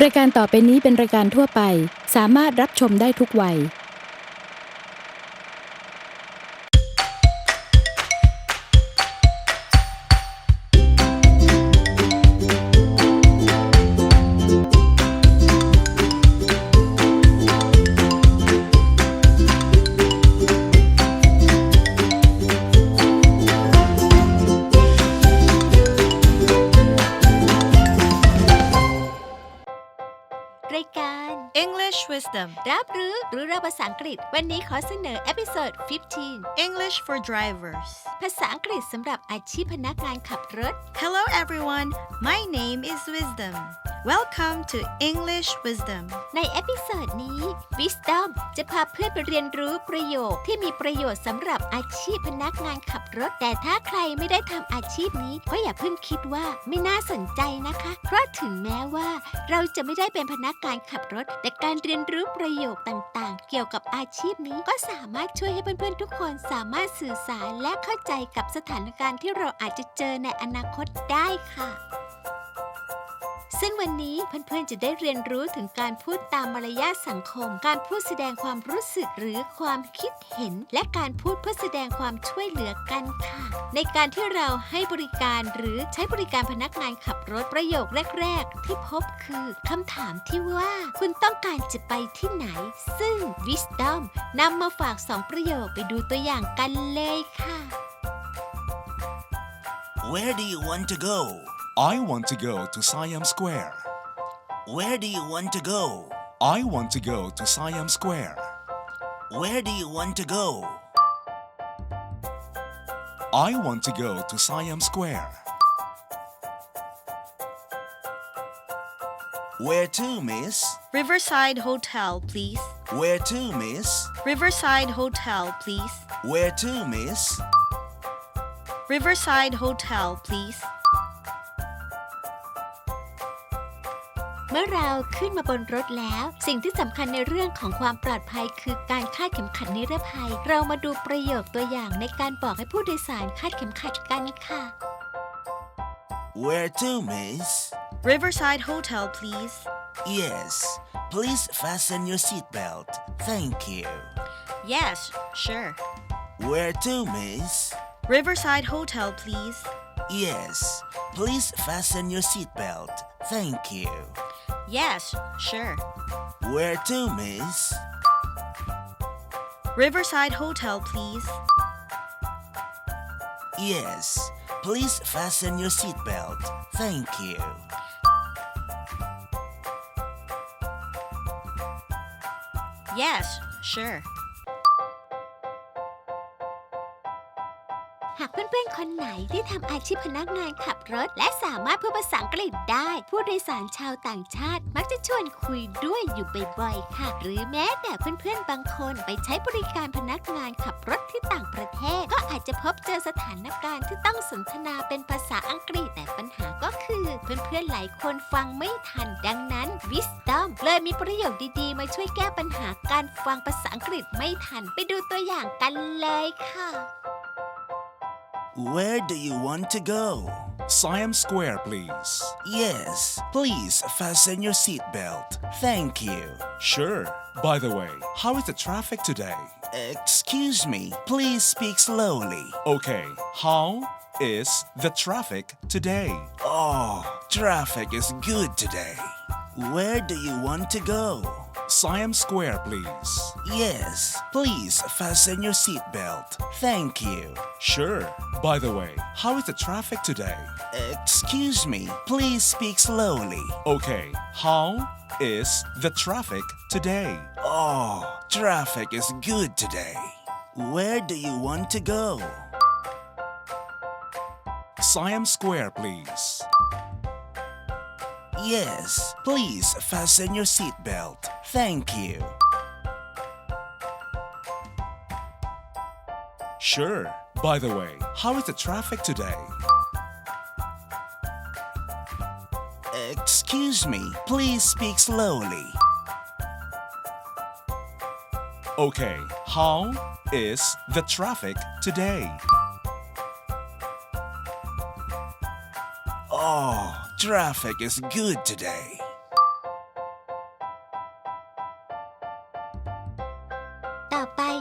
ายการต่อไปนี้เป็นรายการทั่วไปสามารถรับชมได้ทุกวัยรายการ English Wisdom รับรู้เราภาษาอังกฤษวันนี้ขอเสนอเอพิโซด 15 English for Drivers ภาษาอังกฤษสำหรับอาชีพพนักงานขับรถ Hello everyone, my name is Wisdom. Welcome to English Wisdom. ในเอพิโซดนี้ Wisdom จะพาเพื่อนไปเรียนรู้ประโยคที่มีประโยชน์สำหรับอาชีพพนักงานขับรถแต่ถ้าใครไม่ได้ทำอาชีพนี้ก็อย่าเพิ่งคิดว่าไม่น่าสนใจนะคะเพราะถึงแม้ว่าเราจะไม่ได้เป็นพนักงานขับรถแต่การเรียนรู้ประโยคต่างๆเกี่ยวกับอาชีพนี้ก็สามารถช่วยให้เพื่อนๆทุกคนสามารถสื่อสารและเข้าใจกับสถานการณ์ที่เราอาจจะเจอในอนาคตได้ค่ะซึ่งวันนี้เพื่อนๆจะได้เรียนรู้ถึงการพูดตามมารยาทสังคมการพูดแสดงความรู้สึกหรือความคิดเห็นและการพูดเพื่อแสดงความช่วยเหลือกันค่ะในการที่เราให้บริการหรือใช้บริการพนักงานขับรถประโยคแรกๆที่พบคือคำถามที่ว่าคุณต้องการจะไปที่ไหนซึ่ง Wisdom นำมาฝาก2ประโยคไปดูตัวอย่างกันเลยค่ะ Where do you want to go? I want to go to Siam Square. Where do you want to go? I want to go to Siam Square. Where do you want to go? I want to go to Siam Square. Where to, miss? Riverside Hotel, please. Where to, miss? Riverside Hotel, please. Where to, miss? Riverside Hotel, please. เมื่อเราขึ้นมาบนรถแล้วสิ่งที่สำคัญในเรื่องของความปลอดภัยคือการคาดเข็มขัดนิรภัยเรามาดูประโยคตัวอย่างในการบอกให้ผู้โดยสารคาดเข็มขัดกันค่ะ Where to, miss? Riverside Hotel, please. Yes. Please fasten your seatbelt. Thank you. Yes, sure. Where to, miss? Riverside Hotel, please. Yes. Please fasten your seatbelt. Thank you. Yes, sure. Where to, miss? Riverside Hotel, please. Yes. Please fasten your seatbelt. Thank you. Yes, sure. หากเพื่อนๆคนไหนที่ทำอาชีพพนักงานขับรถและสามารถพูดภาษาอังกฤษได้ผู้โดยสารชาวต่างชาติมักจะชวนคุยด้วยอยู่บ่อยๆค่ะหรือแม้แต่เพื่อนๆบางคนไปใช้บริการพนักงานขับรถที่ต่างประเทศก็อาจจะพบเจอสถานการณ์ที่ต้องสนทนาเป็นภาษาอังกฤษแต่ปัญหาก็คือเพื่อนๆหลายคนฟังไม่ทันดังนั้น Wisdom เลยมีประโยคดีๆมาช่วยแก้ปัญหาการฟังภาษาอังกฤษไม่ทันไปดูตัวอย่างกันเลยค่ะ Where do you want to go? Siam Square, please. Yes. Please fasten your seatbelt. Thank you. Sure. By the way, how is the traffic today? Excuse me. Please speak slowly. Okay, how is the traffic today? Oh, traffic is good today. Where do you want to go? Siam Square, please. Yes. Please fasten your seatbelt. Thank you. Sure. By the way, how is the traffic today? Excuse me. Please speak slowly. Okay, how is the traffic today? Oh, traffic is good today. Where do you want to go? Siam Square, please. Yes. Please fasten your seatbelt. Thank you. Sure. By the way, how is the traffic today? Excuse me. Please speak slowly. Okay, how is the traffic today? Oh, traffic is good today.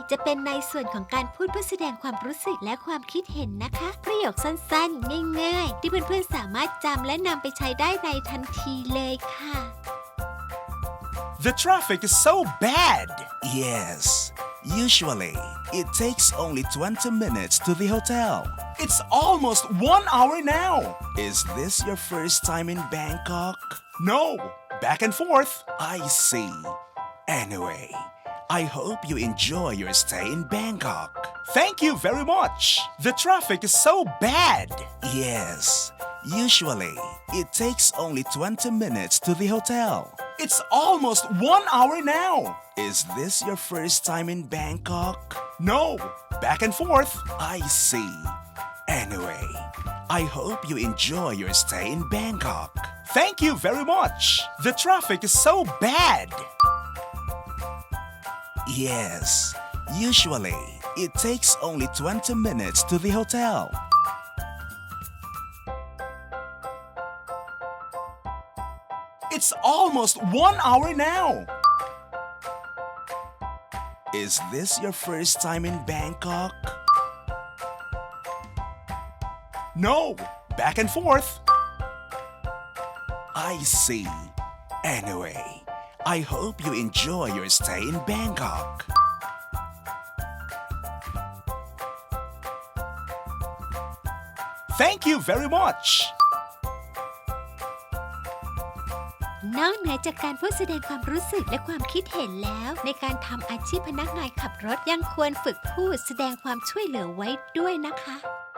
จะเป็นในส่วนของการพูดเพื่อแสดงความรู้สึกและความคิดเห็นนะคะ ประโยคสั้นๆง่ายๆที่เพื่อนๆสามารถจำและนำไปใช้ได้ในทันทีเลยค่ะ The traffic is so bad. Yes. Usually, it takes only 20 minutes to the hotel. It's almost 1 hour now. Is this your first time in Bangkok? No, back and forth. I see. Anyway, I hope you enjoy your stay in Bangkok. Thank you very much. The traffic is so bad. Yes. Usually, it takes only 20 minutes to the hotel. It's almost 1 hour now. Is this your first time in Bangkok? No, back and forth. I see. Anyway, I hope you enjoy your stay in Bangkok. Thank you very much. The traffic is so bad. Yes. Usually, it takes only 20 minutes to the hotel. It's almost 1 hour now. Is this your first time in Bangkok? No, back and forth. I see. Anyway, I hope you enjoy your stay in Bangkok. Thank you very much. นอกเหนือจากการพูดแสดงความรู้สึกและความคิดเห็นแล้ว ในการทำอาชีพพนักงานขับรถยังควรฝึกพูดแสดงความช่วยเหลือไว้ด้วยนะคะ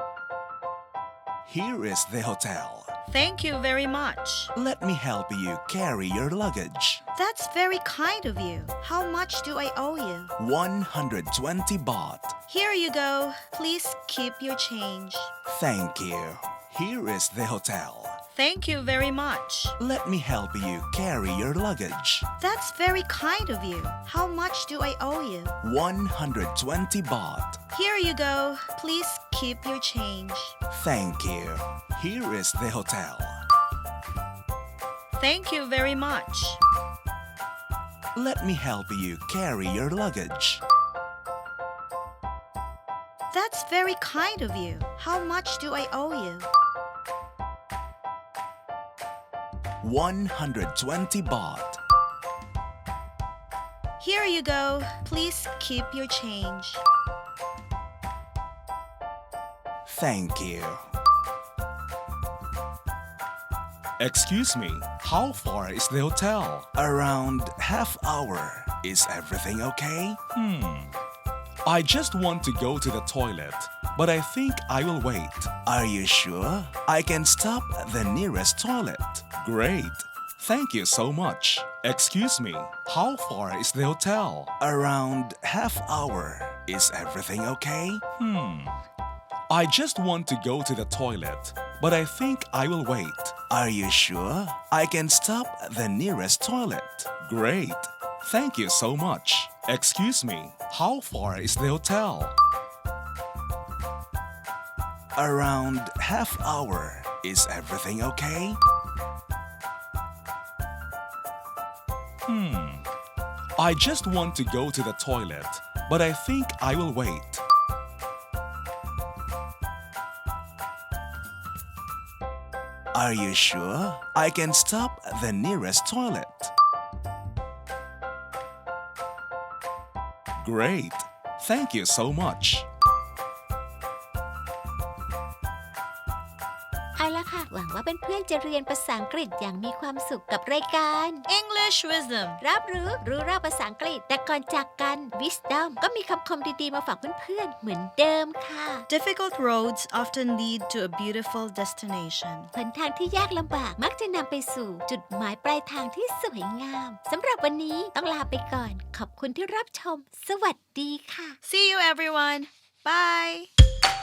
Here is the hotel. Thank you very much. Let me help you carry your luggage. That's very kind of you. How much do I owe you? 120 baht. Here you go. Please keep your change. Thank you. Here is the hotel. Thank you very much. Let me help you carry your luggage. That's very kind of you. How much do I owe you? 120 baht. Here you go. Please keep your change. Thank you. Here is the hotel. Thank you very much. Let me help you carry your luggage. That's very kind of you. How much do I owe you? 120 baht. Here you go. Please keep your change. Thank you. Excuse me, how far is the hotel? Around half hour. Is everything okay? I just want to go to the toilet, but I think I will wait. Are you sure? I can stop at the nearest toilet. Great. Thank you so much. Excuse me, how far is the hotel? Around half hour. Is everything okay? I just want to go to the toilet, but I think I will wait. Are you sure? I can stop at the nearest toilet. Great. Thank you so much. Excuse me, how far is the hotel? Around half hour. Is everything okay? I just want to go to the toilet, but I think I will wait. Are you sure? I can stop at the nearest toilet. Great. Thank you so much. เอาละค่ะ หวังว่าเพื่อนๆจะเรียนภาษาอังกฤษอย่างมีความสุขกับรายการ English wisdom. รับรู้รอบภาษาอังกฤษ แต่ก่อนจากกัน Wisdom ก็มีคำคมดีๆมาฝากเพื่อนๆเหมือนเดิมค่ะ Difficult roads often lead to a beautiful destination. หนทางที่ยากลำบากมักจะนำไปสู่จุดหมายปลายทางที่สวยงามสำหรับวันนี้ต้องลาไปก่อน ขอบคุณที่รับชม สวัสดีค่ะ See you, everyone. Bye.